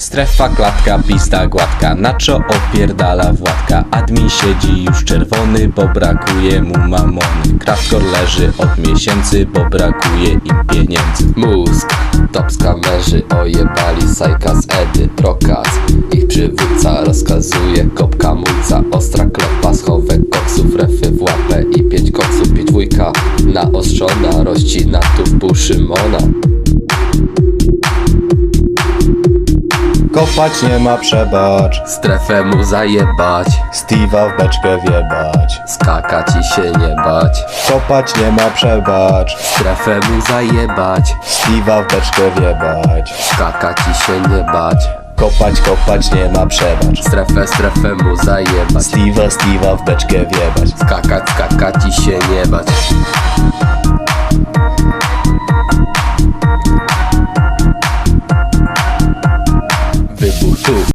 Strefa, klatka, pista gładka, Nacho opierdala Władka. Admin siedzi już czerwony, bo brakuje mu mamony. Kraftkor leży od miesięcy, bo brakuje im pieniędzy. Mózg, top skamerzy ojebali Sajka z Edy, Prokaz. Ich przywódca rozkazuje, kopka mulca, ostra klopa, schowek koksów, refy w łapę i 5 koksów, 5 dwójka naostrzona, rozcina tu w pół Szymona. Kopać nie ma przebacz, Strefę mu zajebać, Steve'a w beczkę wjebać. skakać i się nie bać. Kopać nie ma przebacz, Strefę mu zajebać, Steve'a w beczkę wjebać. skakać i się nie bać. Kopać nie ma przebacz, Strefę mu zajebać, Steve'a w beczkę wjebać. skakać i się nie bać. Wybuch tu.